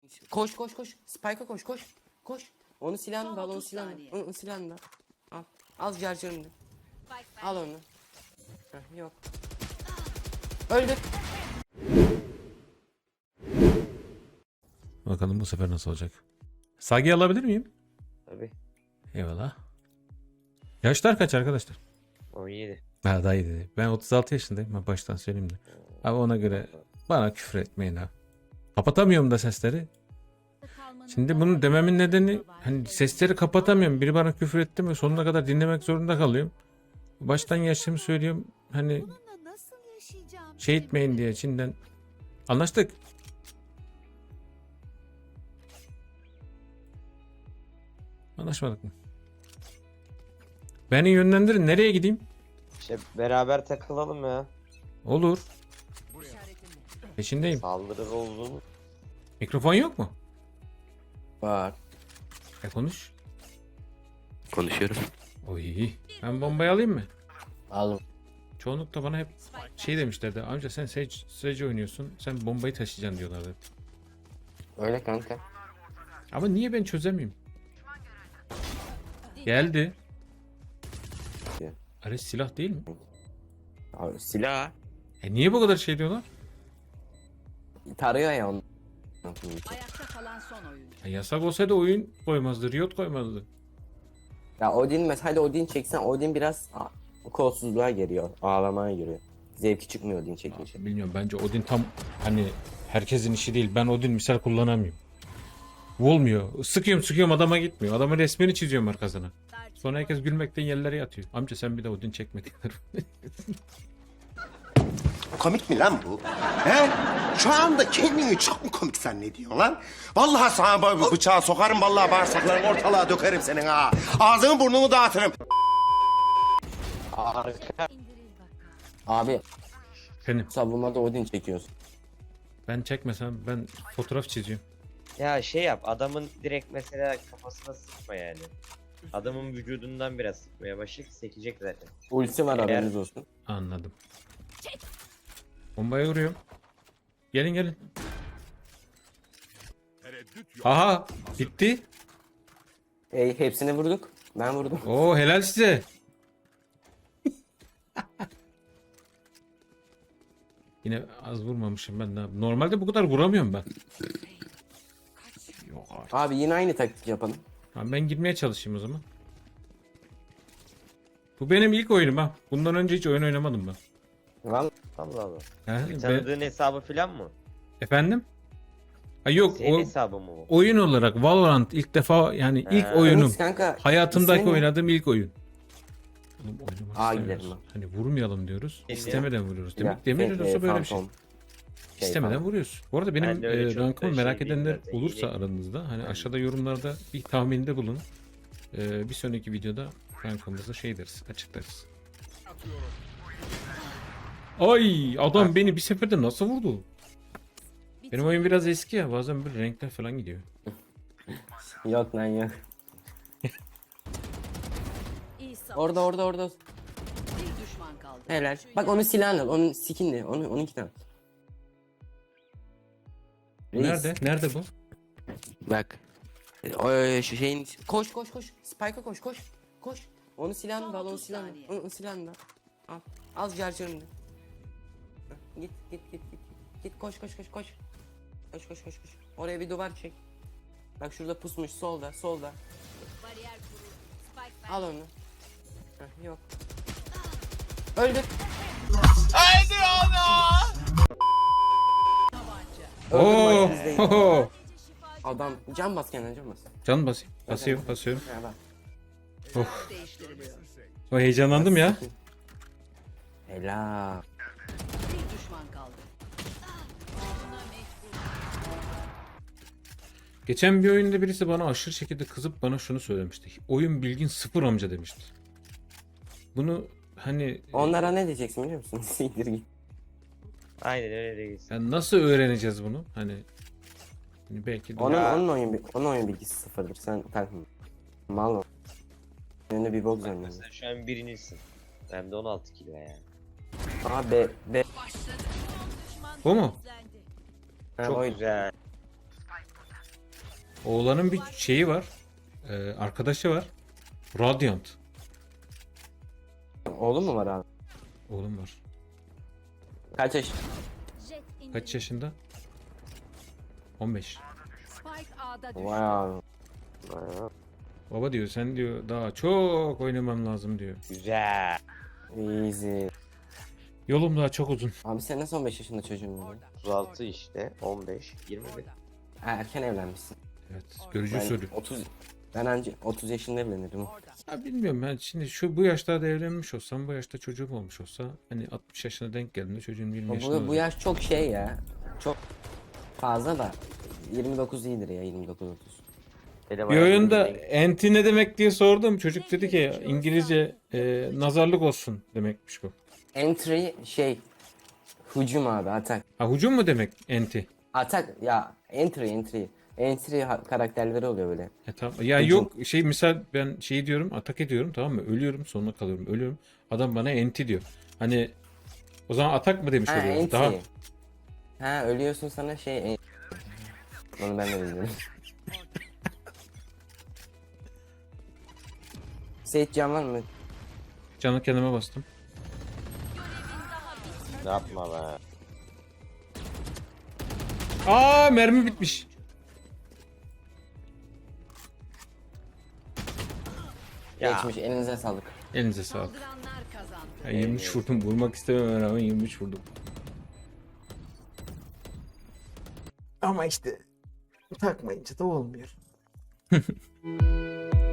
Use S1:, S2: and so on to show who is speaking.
S1: Koş koş koş. Spike'a koş koş. Koş. Onu silahını
S2: Son
S1: da al, onu
S2: 30
S1: silahını.
S2: saniye.
S1: Onu silahını da al. Al charger'ını da. Al onu. Heh, yok. Öldük.
S3: Bakalım bu sefer nasıl olacak. Sagi alabilir miyim?
S4: Tabii.
S3: Eyvallah. Yaşlar kaç arkadaşlar?
S4: 17.
S3: Ha daha iyi dedi. Ben 36 yaşındayım. Ben baştan söyleyeyim de. Abi ona göre bana küfür etmeyin ha. Kapatamıyorum da sesleri. Şimdi bunu dememin nedeni hani sesleri kapatamıyorum. Biri bana küfür etti mi sonuna kadar dinlemek zorunda kalıyorum. Baştan yaşımı söylüyorum. Hani
S2: Bununla nasıl yaşayacağım?
S3: şey etmeyin diye içinden. Anlaştık. Anlaşmadık mı? Beni yönlendirin. Nereye gideyim?
S4: İşte beraber takılalım ya.
S3: Olur.
S2: İşaretimle.
S3: Peşindeyim.
S4: Saldırı olduğunu.
S3: Mikrofon yok mu?
S1: Var.
S3: Konuş.
S1: Konuşuyorum.
S3: Oy. Ben bombayı alayım mı?
S1: Aldım.
S3: Çoğunlukla bana hep şey demişlerdi. Amca sen Sage oynuyorsun. Sen bombayı taşıyacaksın diyorlardı.
S1: Öyle kanka.
S3: Ama niye ben çözemiyorum? Geldi. Ares silah değil mi?
S1: Abi, silah.
S3: Niye bu kadar şey diyorlar?
S1: Tarıyor ya onu.
S2: Ayakta kalan son oyuncu.
S3: Yasak olsaydı oyun koymazdı. Riot koymazdı.
S1: Ya Odin mesela Odin çeksen Odin biraz kolsuzluğa giriyor. Ağlamaya giriyor. Zevki çıkmıyor Odin çekince.
S3: Bilmiyorum bence Odin tam hani herkesin işi değil. Ben Odin misal kullanamıyorum. Olmuyor. Sıkıyorum adama gitmiyor. Adamın resmini çiziyorum arkasına. Sonra herkes gülmekten yerlere yatıyor. Amca sen bir de Odin çekme diyorlar.
S5: Komik mi lan bu? He? Şu anda kendini çok mu komik zannediyorsun lan? Vallahi sana bıçağı sokarım, vallahi bağırsaklarını ortalığa dökerim senin ha. Ağzını burnunu dağıtırım.
S1: Abi
S3: Benim.
S1: savunmada Odin çekiyorsun.
S3: Ben çekmesem ben fotoğraf çiziyorum.
S4: Ya şey yap, adamın direkt mesela kafasına sıkma yani. Adamın vücudundan biraz sıkmaya başlayıp sekecek zaten.
S1: Ulti var
S4: Eğer-
S1: haberiniz olsun.
S3: Anladım. Bombaya vuruyorum. Gelin. Aha bitti.
S1: Hepsini vurduk. Ben vurdum.
S3: Oo helal size. Yine az vurmamışım ben de. Normalde bu kadar vuramıyorum ben. Yok artık.
S1: Abi yine aynı taktik yapalım.
S3: Tamam, ben girmeye çalışayım o zaman. Bu benim ilk oyunum ha. Bundan önce hiç oyun oynamadım ben.
S1: Vallahi
S4: Allah Allah.
S3: He,
S4: Tanıdığın hesabı falan mı?
S3: efendim? Ha, yok
S4: Senin
S3: o
S4: hesabı mı bu?
S3: oyun olarak Valorant ilk defa yani ilk oyunum.
S1: Deniz kanka.
S3: Hayatımdaki
S1: ismi ne?
S3: oynadığım ilk oyun. Oğlum oynamak
S1: Aa,
S3: istemiyoruz.
S1: gidelim lan.
S3: Hani vurmayalım diyoruz.
S4: Gidelim.
S3: İstemeden vuruyoruz.
S1: Ya,
S3: Demek olsa böyle bir şey.
S1: Phantom.
S3: İstemeden
S1: falan.
S3: vuruyoruz. Bu arada benim
S4: Ben de öyle çok
S3: rankımı
S4: da
S3: merak
S4: şey değil
S3: edenler
S4: zaten,
S3: olursa
S4: iyi.
S3: aranızda hani aşağıda yorumlarda bir tahminde bulunun. Bir sonraki videoda rankımızı şey deriz, açıklarız. Ay adam beni bir seferde nasıl vurdu? Benim oyun biraz eski ya bazen böyle renkler falan gidiyor.
S1: Yok lan yok.
S2: İyi savaş.
S1: Orada.
S2: Bir düşman kaldı.
S1: Helal. Bak onu silahını al. Onun skinli. Onunki de al. Reis,
S3: Nerede bu?
S1: Bak. O şu şeyin koş. Spike'a koş. Onu silahını da al,
S2: Son
S1: onu
S2: 30
S1: silahını.
S2: saniye.
S1: Onu silahını da al. Az charger'ını da. Git. Git koş. Koş. Oraya bir duvar çek. Bak şurada pusmuş solda.
S2: Bariyer kuruldu. Spike
S1: Al onu. Heh, yok. Öldük.
S3: Oo! Ho!
S1: Adam can bas kendine can bas.
S3: Can basayım. Basıyorum.
S1: Ha, bak.
S2: ben değiştiriliyor.
S3: O heyecanlandım ya.
S1: Helal.
S2: Bir düşman kaldı. Buna mecbur.
S3: Geçen bir oyunda birisi bana aşırı şekilde kızıp bana şunu söylemişti. Oyun bilgin sıfır amca demişti. Bunu hani
S1: Onlara ne diyeceksin biliyor musun? Siktir git.
S4: Aynen öyle reis.
S3: yani nasıl öğreneceğiz bunu? Hani belki de
S1: Onun oyun bilgisi sıfırdır. Sen takma. Mal ol. Önünde bir bok zannediyorsun.
S4: Sen şu an birincisin. Hem de 16 kilo yani.
S1: Aha be.
S3: bu mu?
S1: Ha,
S4: Çok
S1: oyun.
S4: güzel.
S3: Oğlanın bir şeyi var. Arkadaşı var. Radiant.
S1: Oğlum mu var abi?
S3: Oğlum var.
S1: Kaç yaş?
S3: Kaç yaşında? 15.
S2: Spike A'da düştü.
S1: Vay abi.
S3: Baba diyor sen diyor daha çok oynaman lazım diyor.
S4: Güzel.
S1: Easy.
S3: Yolum daha çok uzun.
S1: Abi sen nasıl 15 yaşında çocuğun var?
S4: 36 işte 15 21.
S1: Ha, erken evlenmişsin.
S3: Evet. Görücü
S1: Ben
S3: usulü.
S1: 30 ben önce 30 yaşında evlenirim.
S3: Ya bilmiyorum ben şimdi bu yaşlarda evlenmiş olsam bu yaşta çocuğum olmuş olsa hani 60 yaşına denk geldiğinde çocuğum 20 yaşında
S1: Bu
S3: olacak.
S1: yaş çok şey ya. Çok fazla da 29 iyidir ya 29-30.
S4: Benim
S3: Bir oyunda enti ne demek diye sordum. Çocuk dedi ki İngilizce nazarlık olsun demekmiş bu.
S1: Entry şey hücum abi atak.
S3: Ha hücum mu demek enti?
S1: Atak ya entry. Entry karakterleri oluyor böyle.
S3: Tamam. Ya
S1: Hücum.
S3: yok şey misal ben şey diyorum atak ediyorum tamam mı? Ölüyorum sonuna kalıyorum ölüyorum. Adam bana enti diyor. Hani o zaman atak mı demiş
S1: Ha
S3: oluyor?
S1: entry.
S3: Daha
S1: Ha ölüyorsun sana şey onu ben de bilmiyorum. Seyit can var mı?
S3: canı kendime bastım.
S4: Ne yapma be.
S3: Aa mermi bitmiş.
S4: Ya.
S1: Geçmiş elinize sağlık.
S3: Elinize sağlık.
S2: Saldıranlar kazandı.
S3: Ya 23 vurdum. Vurmak istememe rağmen 23 vurdum. Ama işte takmayınca da olmuyor.